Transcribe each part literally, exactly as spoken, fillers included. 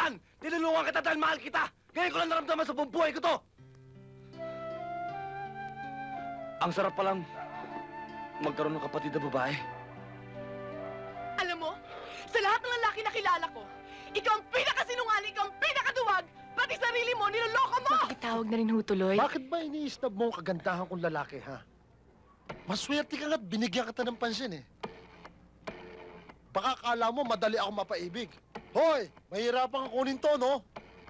nasasaktan! Tinulungan kita dahil mahal kita! Ngayon ko lang naramdaman sa buong buhay ko to! Ang sarap palang magkaroon ng kapatid na babae. Alam mo, sa lahat ng lalaki na kilala ko, ikaw ang pinakasinungaling, ikaw ang pinakaduwag, pati sarili mo, niloloko mo! Makikitawag na rin ho tuloy. Bakit ba iniistab mo ang kagandahan kong lalaki, ha? Maswerte ka nga't binigyan kita ng pansin, eh. Baka akala mo madali ako mapaibig. Hoy, mahirapan kang kunin to, no?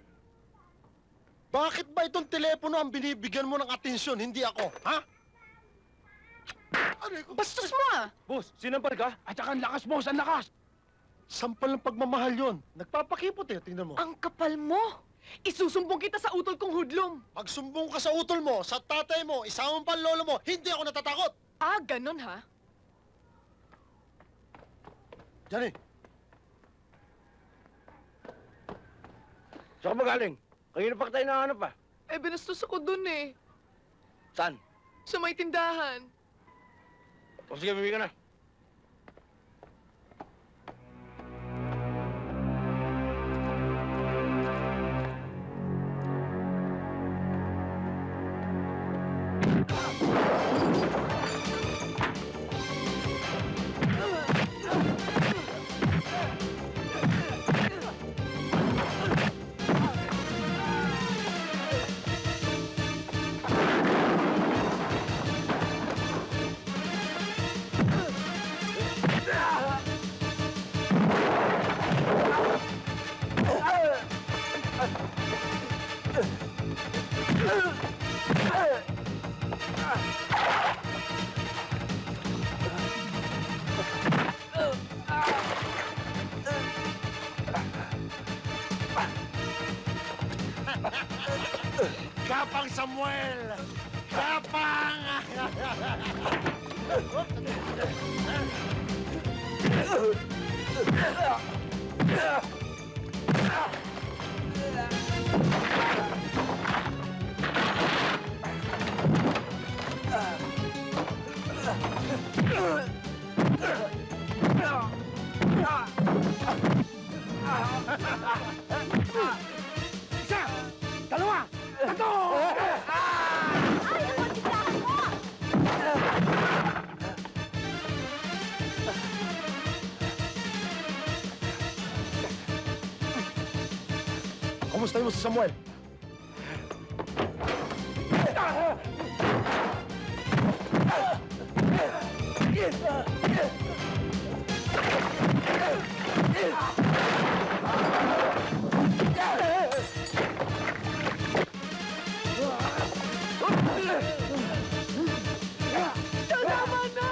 Bakit ba itong telepono ang binibigyan mo ng atensyon, hindi ako, ha? Aray ko. Bastos mo ah! Boss, sinampal ka? At saka ang lakas, boss, ang lakas! Sampal ng pagmamahal yon. Nagpapakipot, eh, tingnan mo. Ang kapal mo! Isusumbong kita sa utol kong hudlom! Pag sumbong ka sa utol mo, sa tatay mo, isama pa ang lolo mo, hindi ako natatakot! Ah, ganon ha? Johnny, Saan ka magaling? Kanina pa tayo nahanap pa. Eh, binastos ako dun eh. Saan? Sa may tindahan. O sige, bibig ka na. Kapang Samuel! Kapang! Isa! Dalawa! Tatlo! Ay, ako, titahan mo! Kumusta mo si Samuel? Tama na!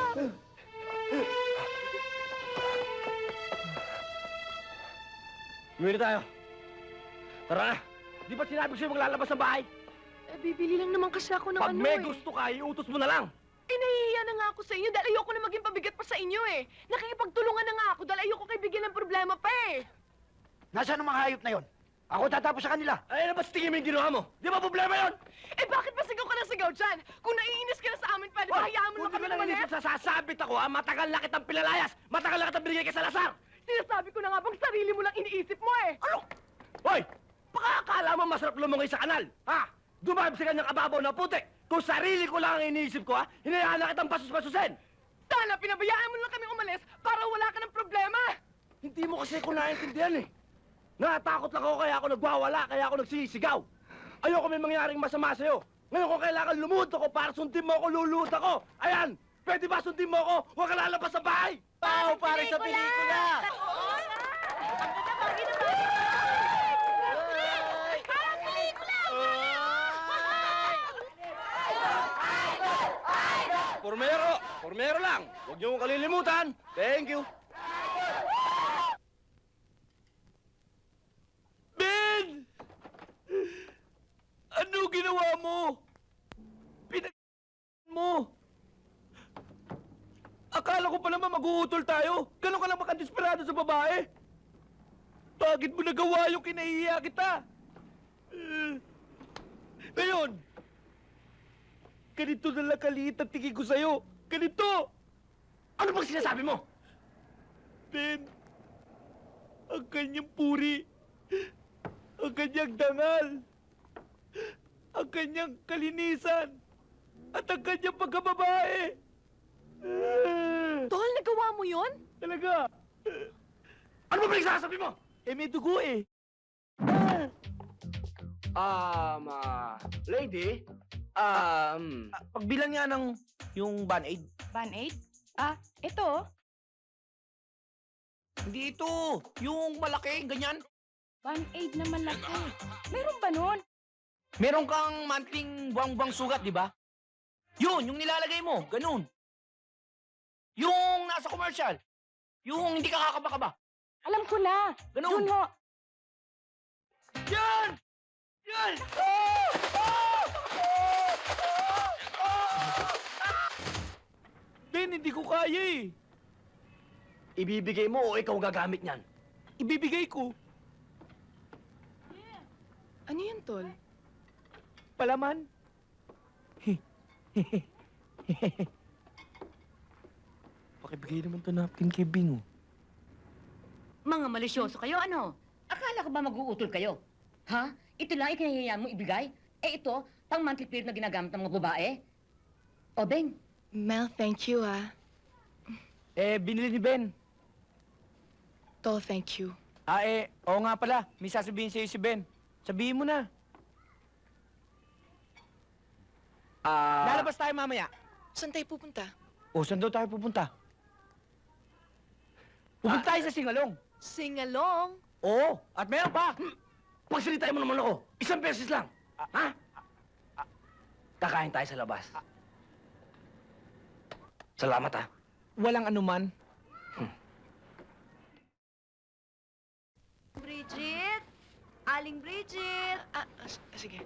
Umuwi na tayo. Tara na. Di ba sinabi ko sa'yo maglalabas ng bahay? Eh, bibili lang naman kasi ako ng Pag ano may eh. gusto ka, iutos mo na lang. Eh, nahihiya na nga ako sa inyo dahil ayoko na maging pabigat pa sa inyo eh. Nakikipagtulungan na nga ako dahil ayoko kayo bigyan ng problema pa eh. Nasaan ang mga hayop na yon? Ako tatapos sa kanila. Ay, ano ba sa tingin mo yung ginawa mo? Di ba problema yun? Eh, bakit ba sigaw ka na sigaw dyan? Kung naiinis ka na sa amin, pwede ba hayaan mo na Kung di kami ka lang umalis? inisip sa sasabit ako, ha? Matagal na kitang pinalayas. Matagal na kitang binigay kay Salazar. Sinasabi ko na nga bang sarili mo lang iniisip mo eh. Ano? Hoy! Baka akala mo masarap lumungay sa kanal, ha? Dumami sa kanyang kababaw na putik. Kung sarili ko lang ang iniisip ko, ha? Hinayaan na kitang pasus-pasusin. Sana pinabayaan mo lang kami umalis para wala ka ng problema. Hindi mo kasi ko naiintindihan, eh. Natakot lang ako kaya ako nagwawala, kaya ako nagsisigaw. Ayoko may mangyaring masama sa'yo. Ngayon kung kailangan lumuhod ako para sundin mo ako, luluhod ako. Ayan! Pwede ba sundin mo ako? Huwag ka lalabas sa bahay! Pao, pare sa pelikula! Parang pelikula! Formero! Formero lang! Huwag niyo kong kalilimutan! Thank you! Ben! Ano ginawa mo? Pinag... mo! Akala ko pa naman mag-uutol tayo. Ganon ka lang makadesperado sa babae. Bakit mo nagawa yung kinahiya kita? Eh, Ngayon, ganito na lang kaliit ang tingin ko sa'yo. Ganito! Ano bang sinasabi mo? Ben, ang kanyang puri, kanyang dangal, ang kanyang kalinisan, at ang kanyang pagkababae. Tol, nagawa mo yon? Talaga. Ano ba pinagsasabi mo? Eh, may dugo eh. Um, ah, lady, um, pagbilan nga ng yung band-aid. Band-aid? Ah, ito. Hindi ito, yung malaki, ganyan. Band-aid na malaki. Meron ba nun? Meron kang monthling buwang-buwang sugat, di ba? Yun, yung nilalagay mo, ganun. Yung nasa commercial. Yung hindi ka kakaba-kaba. Alam ko na. Ganun. Yun ho. Yan! Yan! Ah! Ah! Ah! Ben, hindi ko kaya eh. Ibibigay mo o ikaw gagamit niyan? Ibibigay ko. Ano yan, Tol? Palaman. Pakibigay naman to napkin kay Bing, oh. Mga malisyoso kayo, ano? Akala ko ba mag-uutol kayo? Ha? Ito lang ikinahihiyaan mo ibigay? Eh ito, pang monthly period na ginagamit ng mga babae? O, Beng, Mel, thank you, ah. Eh, binili ni Ben. Tol, thank you. Ah, eh, oo nga pala. May sasabihin sa'yo si Ben. Sabihin mo na. Ah... Lalabas tayo mamaya. Saan tayo pupunta? O, saan daw tayo pupunta? Pupunta tayo sa Singalong. Sing-along. Oo, at meron pa. Pagsalitain mo naman ako. Isang beses lang. Ha? Kakain tayo sa labas. Salamat, ha. Walang anuman. Bridget? Aling Bridget? Ah, ah, s- sige.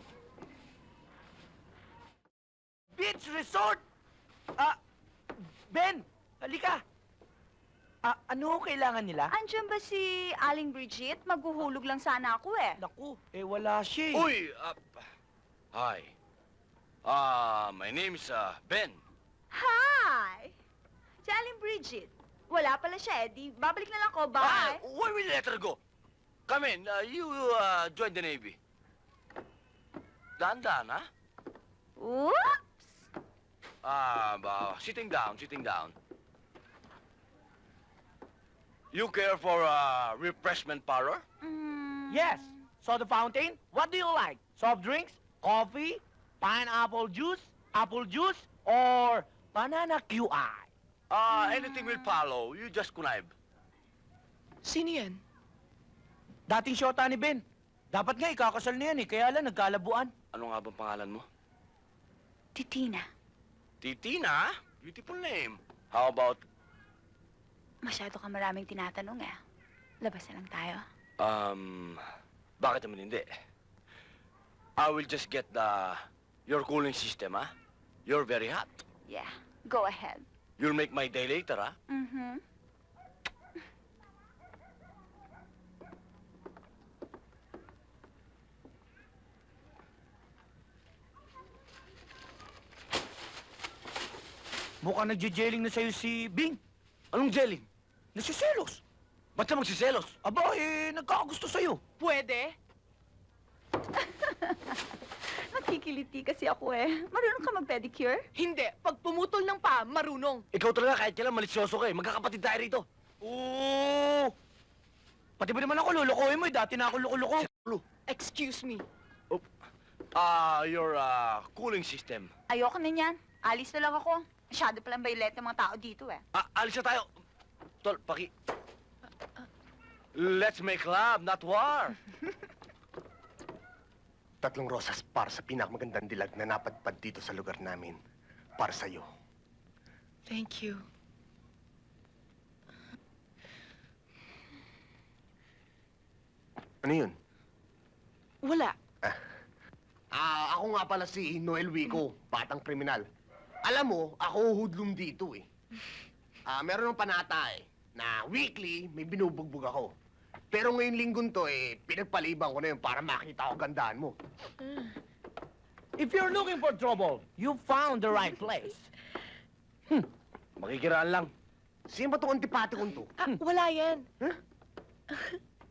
Beach Resort! Ah, Ben, halika. Ah, ano kailangan nila? Andiyan ba si Aling Bridget? Maghuhulog lang sana ako eh. Naku, eh wala siya eh. Uy! Uh, hi. Uh, my name is uh, Ben. Hi! Si Aling Bridget. Wala pala siya eh. Di, babalik na lang ko. Ah, Bye! where will you let her go? Come in. Uh, you uh, join the Navy. Dahan-dahan, ha? Oops! Ah, uh, sitting down, sitting down. You care for a refreshment parlor? Mm. Yes, soda fountain. What do you like? Soft drinks, coffee, pineapple juice, apple juice, or banana Q I? Uh, anything will follow. You just connive. Sino yan? Dating shota ni Ben. Dapat nga ikakasal na yan eh, kaya lang nagkalabuan. Ano nga bang pangalan mo? Titina. Titina? Beautiful name. How about, Masyado ka maraming tinatanong eh. Labas na lang tayo. um, bakit naman hindi? I will just get the, your cooling system, ha? You're very hot. Yeah, go ahead. You'll make my day later, ha? Mm-hmm. Mukhang nagje-jelling na sa'yo si Bing. Anong jelly? Nasiselos. Ba't siya magsiselos? Aba, eh, nagkakagusto sa'yo. Pwede? Nakikiliti kasi ako eh. Marunong ka mag-pedicure? Hindi. Pag pumutol ng pa, marunong. Ikaw talaga kahit kailan malisyoso ka eh. Magkakapatid tayo rito. Oo. Pati ba naman ako lulukohin mo eh? Dati na ako loko-loko. Excuse me. Ah, your uh, cooling system. Ayoko na niyan. Alis na lang ako. Masyado palang baylet ng mga tao dito eh. Ah, alis na tayo. Tol, paki... Let's make love, not war. Tatlong rosas para sa pinakamagandang dilag na napadpad dito sa lugar namin. Para sa'yo. Thank you. Ano yun? Wala. Ah, ako nga pala si Noel Wico, batang kriminal. Alam mo, ako hoodlum dito eh. Ah, meron ng panata eh, na weekly may binubugbog ako. Pero ngayon linggon to eh, pinagpaliban ko na yun para makita ko gandaan mo. If you're looking for trouble, you found the right place. Makikiraan lang. Sino ba itong antipati kong to? Ah, wala yan.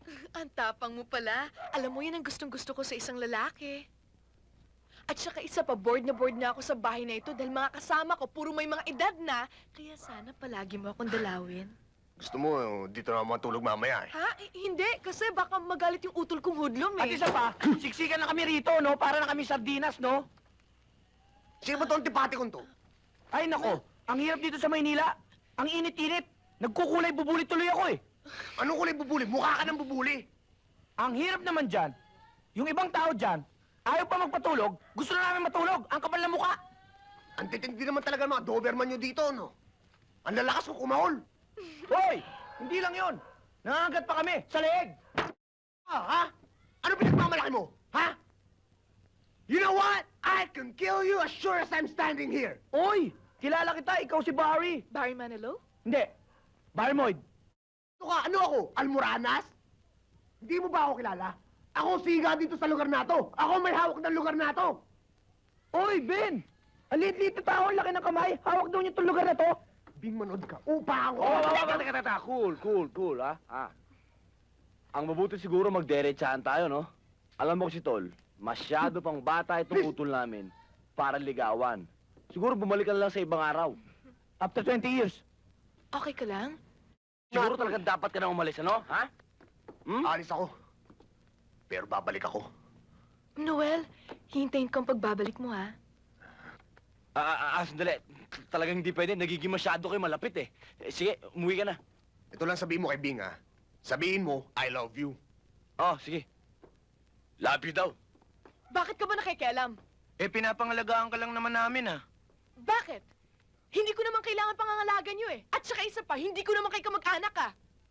Ang tapang mo pala. Alam mo, yan ang gustong-gusto ko sa isang lalaki. At saka isa pa, bored na bored na ako sa bahay na ito dahil mga kasama ko, puro may mga edad na. Kaya sana palagi mo akong dalawin. Gusto mo, eh, dito na matulog mamaya eh. Ha? Eh, hindi, kasi baka magalit yung utol kong hudlom At eh. isa pa, siksikan na kami rito, no? Para na kami sardinas, no? Sino ba to antipati kong to? Ay, nako. Ang hirap dito sa Maynila. Ang init-init. Nagkukulay bubuli tuloy ako, eh. Anong kulay bubuli? Mukha ka ng bubuli. Ang hirap naman dyan, yung ibang tao dyan, ayaw pa magpatulog, gusto na namin matulog. Ang kapal na mukha. Ang titindi naman talaga ng mga Doberman nyo dito, no? Ang lalakas ko kumahol. Hoy! Hindi lang yon. Nangangagat pa kami sa leeg. Ah, ha? Ano pinagmamalaki mo? Ha? You know what? I can kill you as sure as I'm standing here. Oy! Kilala kita, ikaw si Barry. Barry Manilow? Hindi. Barry Moyd. Ano ka? Ano ako? Almoranas? Hindi mo ba ako kilala? Ako siga dito sa lugar na to. Ako may hawak ng lugar na to. Oy, Ben! Ang liit-liit na tao, ang laki ng kamay. Hawak daw niyo itong lugar na to. Bing manood ka. Upa ako. Oh, oh, oh, teka, teka, teka. Cool, cool, cool, ha? Ah. Ang mabuti siguro magderechahan tayo, no? Alam mo si Tol, masyado pang bata itong utol namin para ligawan. Siguro bumalik ka na lang sa ibang araw. After twenty years. Okay ka lang? Siguro talaga dapat ka na umalis, ano? Ha? Hmm? Alis ako. Pero babalik ako. Noel, hintayin kang pagbabalik mo ha. Ah, ah, ah, sandali. Talagang hindi pwede. Nagiging masyado kayo malapit, eh. Eh, Sige, umuwi ka na. Ito lang sabihin mo kay Bing, ha? Sabihin mo, I love you. Oh, sige. Love you daw. Bakit ka ba nakikialam? Eh, pinapangalagaan ka lang naman namin, ah. Bakit? Hindi ko naman kailangan pangangalagan nyo eh. At saka isa pa, hindi ko naman kayo kamag-anak ah.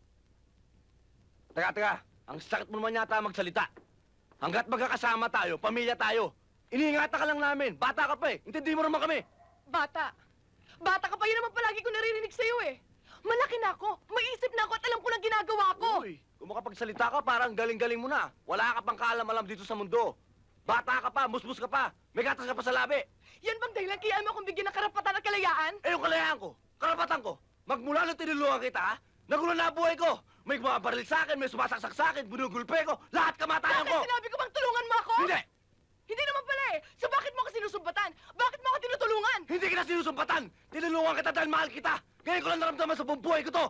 Teka, teka. Ang sakit mo naman yata magsalita. Hanggat magkakasama tayo, pamilya tayo, iniingatan ka lang namin. Bata ka pa eh. Intindi mo naman kami. Bata. Bata ka pa, yun naman palagi ko naririnig sa'yo eh. Malaki na ako, maisip na ako at alam ko lang ginagawa ko. Uy, kung makapagsalita ka, parang galing-galing mo na. Wala ka pang kaalam-alam dito sa mundo. Bata ka pa, musmus ka pa, may gatas ka pa sa labi. Yan bang dahilan kaya mo akong bigyan ng karapatan at kalayaan? Eh, yung kalayaan ko, karapatan ko, magmula nung tinulungan kita, ha? Nagulo na ang buhay ko. May bumabaril sa akin, may sumasaksak sa akin, binugulpe ko, lahat kamatayan Bakit ko. sinabi ko bang tulungan mo ako? Hindi! Hindi naman pala eh. So bakit mo ako sinusumbatan? Bakit mo ako tinutulungan? Hindi kita sinusumpatan! Tinulungan kita dahil mahal kita! Ngayon ko lang naramdaman sa buong buhay ko to!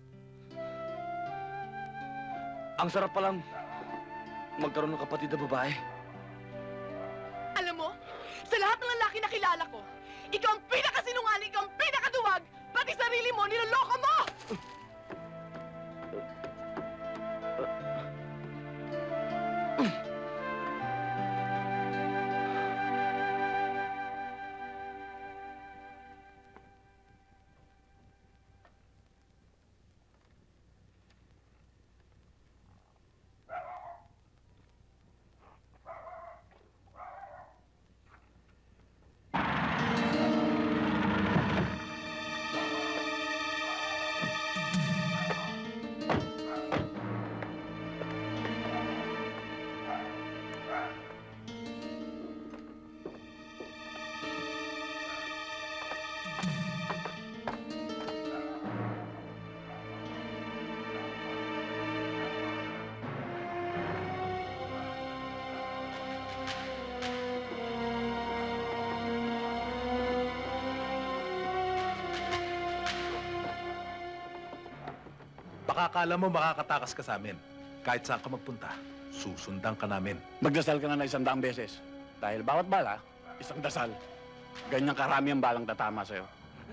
Ang sarap palang magkaroon ng kapatid na babae. Alam mo, sa lahat ng lalaki na kilala ko, ikaw ang pinakasinungaling, ikaw ang pinakaduwag, pati sarili mo, niloloko mo! Baka akala mo makakatakas ka sa amin. Kahit saan ka magpunta, susundan ka namin. Magdasal ka na ng isang daang beses. Dahil bawat bala, isang dasal. Ganyang karami ang balang tatama sa'yo.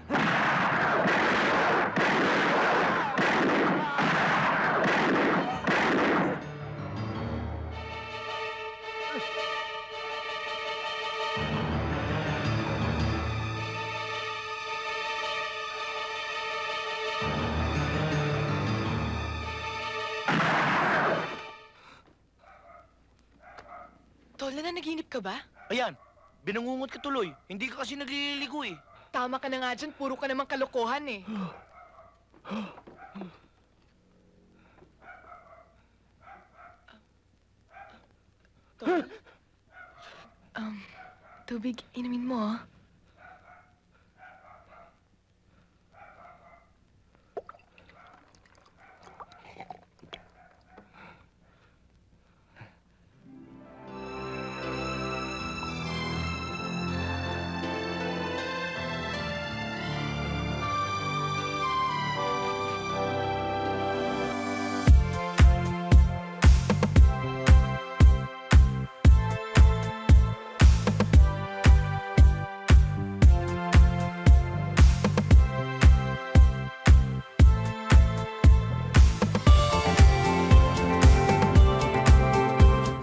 Tol, nananaginip ka ba? Ayan, binangungot ka tuloy. Hindi ka kasi nagliligo, eh. Tama ka na nga dyan, puro ka namang kalokohan eh. Tol? Um, tubig, inumin mo ah.